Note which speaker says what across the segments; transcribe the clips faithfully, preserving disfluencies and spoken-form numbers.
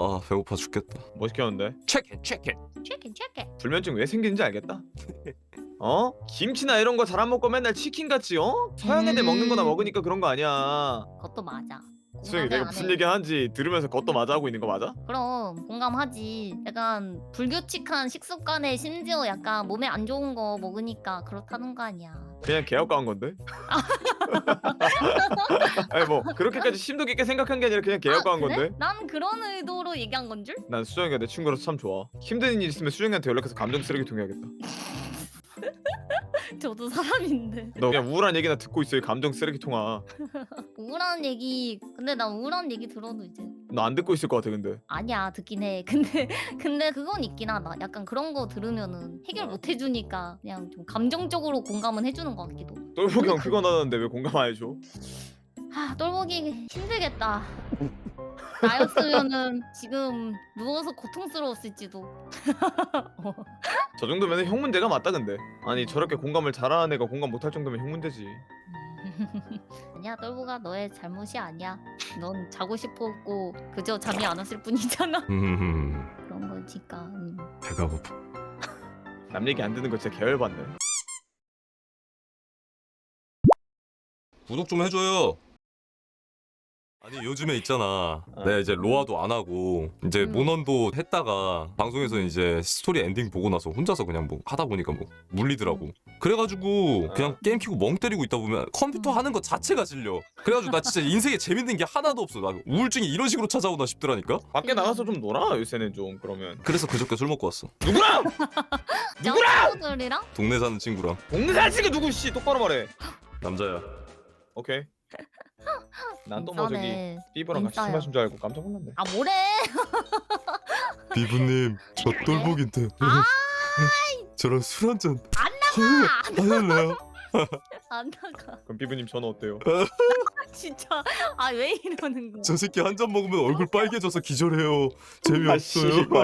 Speaker 1: 아 배고파 죽겠다.
Speaker 2: 뭐 시켰는데?
Speaker 1: 체크 체크.
Speaker 3: 치킨 치킨.
Speaker 2: 불면증 왜 생기는지 알겠다. 어? 김치나 이런 거 잘 안 먹고 맨날 치킨같이 어? 서양 애들
Speaker 3: 음.
Speaker 2: 먹는 거나 먹으니까 그런 거 아니야.
Speaker 3: 그것도 맞아.
Speaker 2: 수영이
Speaker 3: 공감을
Speaker 2: 내가
Speaker 3: 안
Speaker 2: 무슨
Speaker 3: 해.
Speaker 2: 얘기 하는지 들으면서 그것도 맞아 하고 있는 거 맞아?
Speaker 3: 그럼 공감하지. 약간 불규칙한 식습관에 심지어 약간 몸에 안 좋은 거 먹으니까 그렇다는 거 아니야.
Speaker 2: 그냥 개혁가한 건데? 아니 뭐 그렇게까지 심도 깊게 생각한 게 아니라 그냥 개혁가한
Speaker 3: 아, 그래?
Speaker 2: 건데?
Speaker 3: 난 그런 의도로 얘기한 건 줄?
Speaker 2: 난 수정이가 내 친구라서 참 좋아. 힘든 일 있으면 수정이한테 연락해서 감정 쓰레기통 해야겠다.
Speaker 3: 저도 사람인데.
Speaker 2: 너 그냥 우울한 얘기나 듣고 있어 이 감정 쓰레기통아.
Speaker 3: 우울한 얘기. 근데 난 우울한 얘기 들어도 이제
Speaker 2: 너 안 듣고 있을 것 같아 근데.
Speaker 3: 아니야 듣긴 해. 근데 근데 그건 있긴 하다. 약간 그런 거 들으면은 해결 못 해주니까 그냥 좀 감정적으로 공감은 해주는 것 같기도.
Speaker 2: 똘보기 형 피곤하다는데 왜 공감 안 해줘?
Speaker 3: 하 똘보기 힘들겠다. 나였으면은 지금 누워서 고통스러웠을지도. 어.
Speaker 2: 저 정도면 형 문제가 맞다 근데. 아니 저렇게 공감을 잘하는 애가 공감 못할 정도면 형 문제지.
Speaker 3: 아니야 똘보가 너의 잘못이 아니야. 넌 자고 싶었고 그저 잠이 안 왔을 뿐이잖아.
Speaker 1: 음
Speaker 3: 그런 거니까. 음.
Speaker 1: 배가 고파.
Speaker 2: 남 얘기 안 듣는 거 진짜 계열받네.
Speaker 1: 구독 좀 해줘요. 아니 요즘에 있잖아. 내가 이제 로아도 안 하고 이제
Speaker 3: 음.
Speaker 1: 모넌도 했다가 방송에서 이제 스토리 엔딩 보고 나서 혼자서 그냥 뭐 하다 보니까 뭐 물리더라고. 그래가지고 그냥 게임 키고 멍 때리고 있다 보면 컴퓨터 하는 것 자체가 질려. 그래가지고 나 진짜 인생에 재밌는 게 하나도 없어. 나 우울증이 이런 식으로 찾아오나 싶더라니까.
Speaker 2: 밖에 나가서 좀 놀아 요새는 좀 그러면.
Speaker 1: 그래서 그저께 술 먹고 왔어.
Speaker 2: 누구랑? 누구랑?
Speaker 3: 친구들이랑?
Speaker 1: 동네 사는 친구랑.
Speaker 2: 동네 살찌개 누구 씨 똑바로 말해.
Speaker 1: 남자야.
Speaker 2: 오케이. 난 또 뭐 저기
Speaker 3: 인싸네.
Speaker 2: 삐버랑 같이 술
Speaker 3: 인싸야.
Speaker 2: 마신 줄 알고 깜짝 놀랐네.
Speaker 3: 아 뭐래?
Speaker 1: 비부님 저 똘복인데 저랑 술 한잔 안 할래요?
Speaker 3: 안 나가.
Speaker 2: 그럼 삐부님 전화 어때요?
Speaker 3: 진짜 아 왜 이러는 거야?
Speaker 1: 저 새끼 한 잔 먹으면 얼굴 빨개져서 기절해요.
Speaker 2: 아,
Speaker 1: 재미없어요.
Speaker 2: 씨발.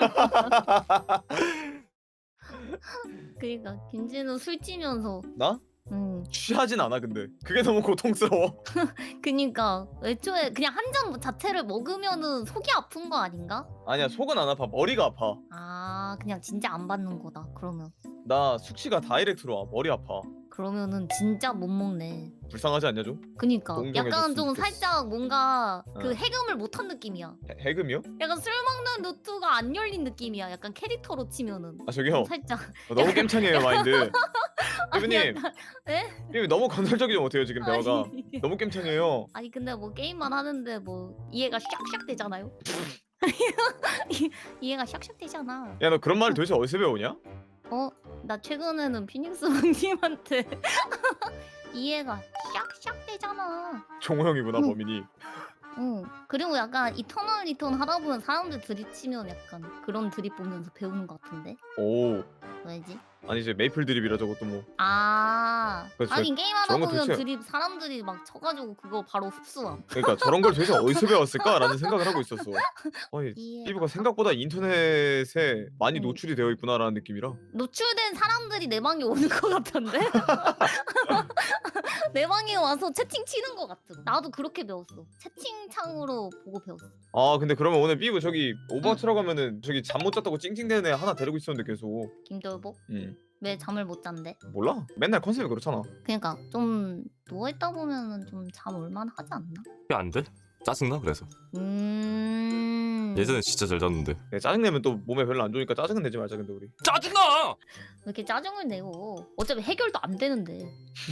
Speaker 3: 그러니까 김진우 술 찌면서
Speaker 2: 나?
Speaker 3: 음
Speaker 2: 취하진 않아 근데 그게 너무 고통스러워.
Speaker 3: 그니까 애초에 그냥 한 잔 자체를 먹으면은 속이 아픈 거 아닌가?
Speaker 2: 아니야 속은 안 아파 머리가 아파.
Speaker 3: 아 그냥 진짜 안 받는 거다 그러면.
Speaker 2: 나 숙취가 다이렉트로 와 머리 아파.
Speaker 3: 그러면은 진짜 못 먹네.
Speaker 2: 불쌍하지 않냐 좀?
Speaker 3: 그니까
Speaker 2: 동정해줬으면
Speaker 3: 약간 좀
Speaker 2: 좋겠어.
Speaker 3: 살짝 뭔가 그
Speaker 2: 어.
Speaker 3: 해금을 못한 느낌이야.
Speaker 2: 해, 해금이요?
Speaker 3: 약간 술 먹는 루트가 안 열린 느낌이야. 약간 캐릭터로 치면은
Speaker 2: 아 저기요
Speaker 3: 살짝.
Speaker 2: 어, 너무 깸창이에요 마인드. 삐부님
Speaker 3: 에?
Speaker 2: 삐부 너무 건설적이지 못해요 지금 대화가.
Speaker 3: 아니,
Speaker 2: 너무 깸창이에요.
Speaker 3: 아니 근데 뭐 게임만 하는데 뭐 이해가 샥샥 되잖아요. 이- 이해가 샥샥 되잖아.
Speaker 2: 야 너 그런 말을 도대체 어디서 배우냐?
Speaker 3: 어? 나 최근에는 피닉스 왕님한테 이해가 샥샥 되잖아.
Speaker 2: 종호 형이구나
Speaker 3: 응.
Speaker 2: 범인이.
Speaker 3: 응. 그리고 약간 이터널 리턴 하다 보면 사람들 드립치면 약간 그런 드립 보면서 배우는 것 같은데?
Speaker 2: 오
Speaker 3: 왜지?
Speaker 2: 아니 이제 메이플 드립이라 저것도 뭐.
Speaker 3: 아
Speaker 2: 그래서
Speaker 3: 하긴 게임하다
Speaker 2: 저런 거
Speaker 3: 보면
Speaker 2: 도대체-
Speaker 3: 드립 사람들이 막 쳐가지고 그거 바로 흡수함.
Speaker 2: 그러니까 저런 걸 도대체 어디서 배웠을까라는 생각을 하고 있었어. 아니
Speaker 3: 이해가
Speaker 2: 삐부가 생각보다 인터넷에 많이
Speaker 3: 응.
Speaker 2: 노출이 되어 있구나라는 느낌이라.
Speaker 3: 노출된 사람들이 내 방에 오는 것 같던데? 내 방에 와서 채팅 치는 것 같은. 나도 그렇게 배웠어. 채팅창으로 보고 배웠어.
Speaker 2: 아 근데 그러면 오늘 삐부 저기 오버워치라고 하면은 저기 잠 못 잤다고 찡찡대는 애 하나 데리고 있었는데 계속.
Speaker 3: 김돌복?
Speaker 2: 응
Speaker 3: 왜 잠을 못 잔대?
Speaker 2: 몰라 맨날 컨셉이 그렇잖아.
Speaker 3: 그러니까 좀 누워있다 보면은 좀 잠 올만 하지 않나?
Speaker 1: 그게 안 돼? 짜증나 그래서.
Speaker 3: 음...
Speaker 1: 예전에 진짜 잘 잤는데.
Speaker 2: 야, 짜증내면 또 몸에 별로 안 좋으니까 짜증은 내지 말자 근데 우리.
Speaker 1: 짜증나!
Speaker 3: 왜 이렇게 짜증을 내고 어차피 해결도 안 되는데.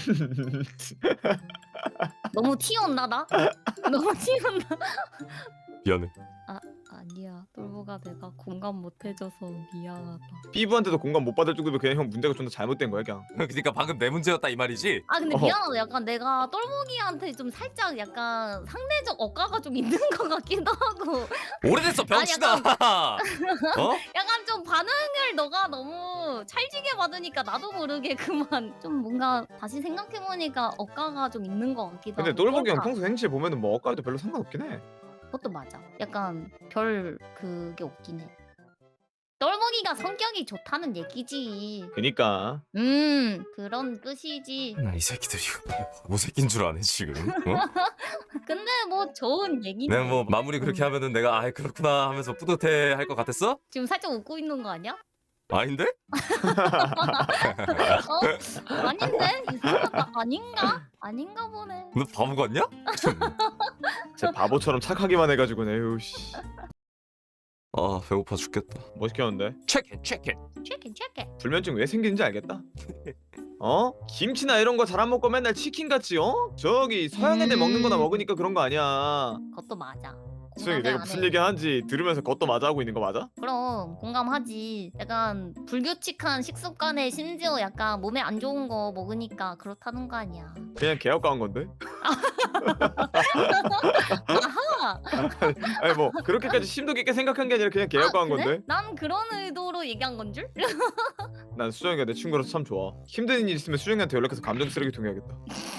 Speaker 3: 너무 튀었나 나? 너무 튀었나?
Speaker 1: 미안해.
Speaker 3: 아니야 똘보가 내가 공감 못 해줘서 미안하다.
Speaker 2: 삐부한테도 공감 못 받을 정도면 그냥 형 문제가 좀 더 잘못된 거야 그냥.
Speaker 1: 그러니까 방금 내 문제였다 이 말이지?
Speaker 3: 아 근데
Speaker 2: 어허.
Speaker 3: 미안하다. 약간 내가 똘보기한테 좀 살짝 약간 상대적 억가가 좀 있는 것 같기도 하고.
Speaker 1: 오래됐어 병신아. 어?
Speaker 3: 약간 좀 반응을 너가 너무 찰지게 받으니까 나도 모르게 그만 좀 뭔가 다시 생각해보니까 억가가 좀 있는 것 같기도
Speaker 2: 근데
Speaker 3: 하고.
Speaker 2: 똘보기 형
Speaker 3: 그렇다.
Speaker 2: 평소 행실 보면은 뭐 엇갈도 별로 상관없긴 해.
Speaker 3: 그것도 맞아. 약간 별 그게 없긴 해. 똘보기 성혁이가 성격이 좋다는 얘기지.
Speaker 2: 그니까
Speaker 3: 음 그런 뜻이지.
Speaker 1: 나 이 새끼들이 뭐 새끼인 줄 아네 지금. 어?
Speaker 3: 근데 뭐 좋은 얘기.
Speaker 1: 내가 뭐 마무리 그렇게
Speaker 3: 음.
Speaker 1: 하면은 내가 아 그렇구나 하면서 뿌듯해 할 것 같았어?
Speaker 3: 지금 살짝 웃고 있는 거 아니야?
Speaker 1: 아닌데?
Speaker 3: 어? 아닌데? 이상하다. 아닌가? 아닌가 보네.
Speaker 1: 너 바보 같냐?
Speaker 2: 제 바보처럼 착하기만 해가지고 에휴 씨.
Speaker 1: 아 배고파 죽겠다.
Speaker 2: 뭐 시켰는데?
Speaker 1: 체크 체크.
Speaker 3: 체크 체크.
Speaker 2: 불면증 왜 생기는지 알겠다. 어? 김치나 이런 거 잘 안 먹고 맨날 치킨 같이 어? 저기 서양 애들
Speaker 3: 음.
Speaker 2: 먹는 거나 먹으니까 그런 거 아니야.
Speaker 3: 그것도 맞아.
Speaker 2: 수영이
Speaker 3: 공감을
Speaker 2: 내가
Speaker 3: 안
Speaker 2: 무슨
Speaker 3: 해.
Speaker 2: 얘기 하는지 들으면서 그것도 맞아 하고 있는 거 맞아?
Speaker 3: 그럼 공감하지. 약간 불규칙한 식습관에 심지어 약간 몸에 안 좋은 거 먹으니까 그렇다는 거 아니야.
Speaker 2: 그냥 개혁가한 건데?
Speaker 3: 아하.
Speaker 2: 아니 뭐 그렇게까지 심도 깊게 생각한 게 아니라 그냥 개혁가한
Speaker 3: 아, 그래?
Speaker 2: 건데?
Speaker 3: 난 그런 의도로 얘기한 건 줄?
Speaker 2: 난 수정이가 내 친구라서 참 좋아. 힘든 일 있으면 수정이한테 연락해서 감정 쓰레기통 해야겠다.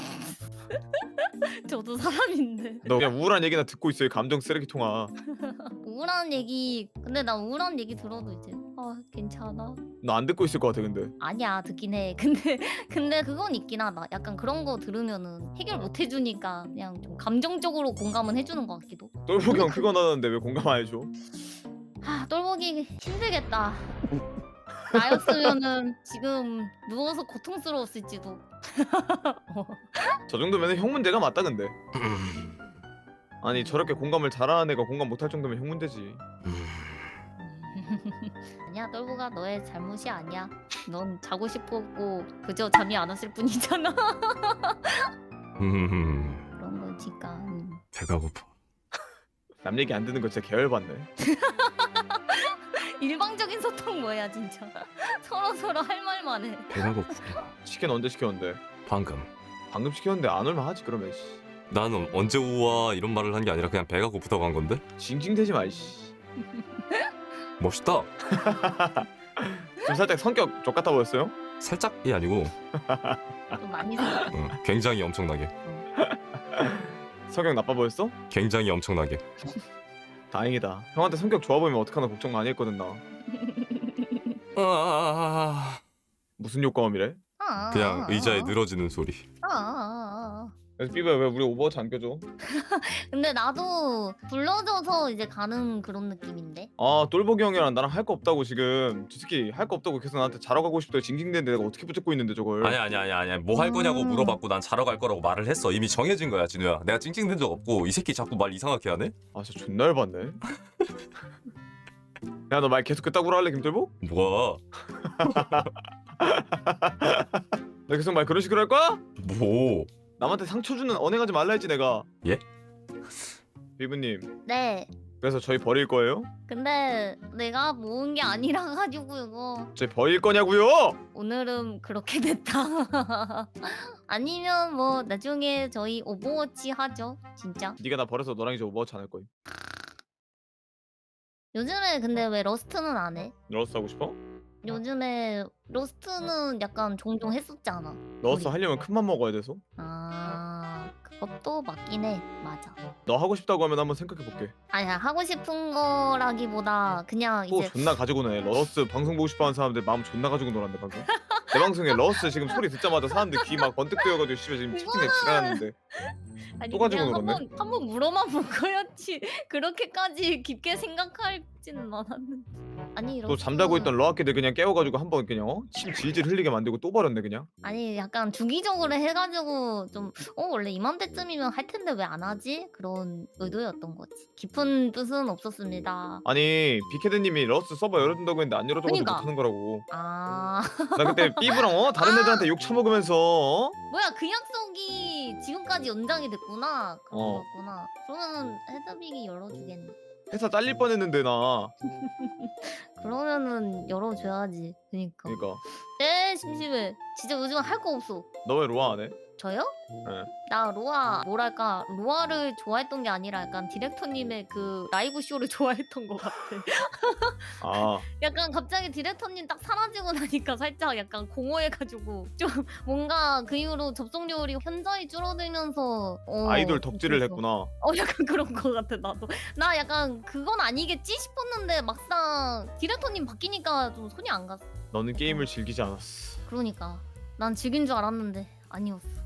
Speaker 3: 저도 사람인데.
Speaker 2: 너 그냥 우울한 얘기나 듣고 있어 이 감정 쓰레기통아.
Speaker 3: 우울한 얘기. 근데 나 우울한 얘기 들어도 이제 아 괜찮아.
Speaker 2: 너 안 듣고 있을 것 같아 근데.
Speaker 3: 아니야 듣긴 해. 근데 근데 그건 있긴 하다. 약간 그런 거 들으면은 해결 못 해주니까 그냥 좀 감정적으로 공감은 해주는 것 같기도.
Speaker 2: 똘보기 형 피곤하다는데 왜 공감 안 해줘?
Speaker 3: 아 똘보기 힘들겠다. 나였으면은 지금 누워서 고통스러웠을지도.
Speaker 2: 저 정도면 형 문제가 맞다 근데. 아니 저렇게 공감을 잘하는 애가 공감 못할 정도면 형 문제지.
Speaker 3: 아니야 똘보가 너의 잘못이 아니야. 넌 자고 싶었고 그저 잠이 안 왔을 뿐이잖아.
Speaker 1: 음,
Speaker 3: 그런 거니까. 음.
Speaker 1: 배가 고파.
Speaker 2: 남 얘기 안 듣는 거 진짜 계열받네.
Speaker 3: 일방적인 소통 뭐야 진짜. 서로 서로 할 말만 해.
Speaker 1: 배가 고프다.
Speaker 2: 치킨 언제 시켰는데?
Speaker 1: 방금.
Speaker 2: 방금 시켰는데 안 올만 하지 그러면 씨.
Speaker 1: 나는 언제 우와 이런 말을 한 게 아니라 그냥 배가 고프다고 한 건데?
Speaker 2: 징징대지 마 씨.
Speaker 1: 멋있다.
Speaker 2: 좀 살짝 성격 족같아 보였어요?
Speaker 1: 살짝이 아니고
Speaker 3: 좀 많이 생각.
Speaker 1: 응, 굉장히 엄청나게.
Speaker 2: 성격 나빠 보였어?
Speaker 1: 굉장히 엄청나게.
Speaker 2: 다행이다. 형한테 성격 좋아 보이면 어떡하나 걱정 많이 했거든 나.
Speaker 1: 아,
Speaker 2: 무슨 효과음이래?
Speaker 3: 아,
Speaker 1: 그냥
Speaker 3: 아,
Speaker 1: 의자에
Speaker 3: 아,
Speaker 1: 늘어지는 소리.
Speaker 3: 아, 아, 아.
Speaker 2: 그래서 삐부야 왜 우리 오버워치 안 껴줘?
Speaker 3: 근데 나도 불러줘서 이제 가는 그런 느낌인데.
Speaker 2: 아 똘보기 형이랑 나랑 할 거 없다고 지금 저 새끼 할 거 없다고 계속 나한테 자러 가고 싶다고 징징대는데 내가 어떻게 붙잡고 있는데 저걸.
Speaker 1: 아니야 아니야 아니야 아니야. 뭐 할 거냐고
Speaker 3: 음.
Speaker 1: 물어봤고 난 자러 갈 거라고 말을 했어. 이미 정해진 거야 진우야. 내가 찡찡댄 적 없고 이 새끼 자꾸 말 이상하게 하네.
Speaker 2: 아 진짜 존나 열받네. 야 너 말 계속 그따구로 할래 김돌보?
Speaker 1: 뭐야?
Speaker 2: 나 계속 말 그런 식으로 할 거야?
Speaker 1: 뭐?
Speaker 2: 남한테 상처 주는 언행하지 말라 했지 내가.
Speaker 1: 예?
Speaker 2: 비브님
Speaker 3: 네.
Speaker 2: 그래서 저희 버릴 거예요?
Speaker 3: 근데 내가 모은 게 아니라 가지고 이거
Speaker 2: 저희 버릴 거냐고요?
Speaker 3: 오늘은 그렇게 됐다. 아니면 뭐 나중에 저희 오버워치 하죠. 진짜.
Speaker 2: 네가 나 버려서 너랑 이제 오버워치 안 할 거임.
Speaker 3: 요즘에 근데 왜 러스트는 안 해?
Speaker 2: 러스 하고 싶어?
Speaker 3: 요즘에 러스트는 약간 종종 했었잖아.
Speaker 2: 러스
Speaker 3: 우리.
Speaker 2: 하려면 큰 맘 먹어야 돼서.
Speaker 3: 아 그것도 맞긴 해. 맞아.
Speaker 2: 너 하고 싶다고 하면 한번 생각해 볼게.
Speaker 3: 아니야 하고 싶은 거라기보다 그냥
Speaker 2: 또
Speaker 3: 이제
Speaker 2: 존나 가지고 노네. 러스 방송 보고 싶어하는 사람들 마음 존나 가지고 놀았네 방금. 내 방송에 러스 지금 소리 듣자마자 사람들 귀 막 번뜩 뜨여가지고 씨발 지금 치킨에 지랄하는데.
Speaker 3: 아니
Speaker 2: 또 가지고
Speaker 3: 그냥
Speaker 2: 놀았네?
Speaker 3: 한번 한번 물어만 볼 거였지. 그렇게까지 깊게 생각할지는 않았는데. 아니
Speaker 2: 또
Speaker 3: 러스트
Speaker 2: 잠자고 있던 러아키들 그냥 깨워가지고 한번 그냥 어? 침 질질 흘리게 만들고 또 버렸네 그냥.
Speaker 3: 아니 약간 주기적으로 해가지고 좀 어 원래 이맘때쯤이면 할 텐데 왜 안 하지? 그런 의도였던 거지. 깊은 뜻은 없었습니다.
Speaker 2: 아니 비케드님이 러스 서버 열어준다고 했는데 안 열어줘가지고
Speaker 3: 그니까.
Speaker 2: 못하는 거라고.
Speaker 3: 아
Speaker 2: 나 그때 삐부랑 어? 다른 애들한테 욕 처먹으면서 어?
Speaker 3: 뭐야 그 약속이 지금까지 연장이 됐구나. 그런
Speaker 2: 어.
Speaker 3: 거구나. 그러면은 헤드빅이 열어주겠네.
Speaker 2: 회사 잘릴 뻔했는데 나.
Speaker 3: 그러면은 열어줘야지. 그니까.
Speaker 2: 그러니까
Speaker 3: 에 심심해. 진짜 요즘 할 거 없어.
Speaker 2: 너 왜 로아 안 해?
Speaker 3: 저요?
Speaker 2: 네.
Speaker 3: 나 로아 뭐랄까 로아를 좋아했던 게 아니라 약간 디렉터님의 그 라이브 쇼를 좋아했던 것 같아.
Speaker 2: 아
Speaker 3: 약간 갑자기 디렉터님 딱 사라지고 나니까 살짝 약간 공허해가지고 좀 뭔가 그 이후로 접속률이 현저히 줄어들면서 어,
Speaker 2: 아이돌 덕질을
Speaker 3: 그래서.
Speaker 2: 했구나.
Speaker 3: 어 약간 그런 것 같아 나도. 나 약간 그건 아니겠지 싶었는데 막상 디렉터님 바뀌니까 좀 손이 안 갔어.
Speaker 2: 너는 게임을 즐기지 않았어.
Speaker 3: 그러니까 난 즐긴 줄 알았는데 아니었어.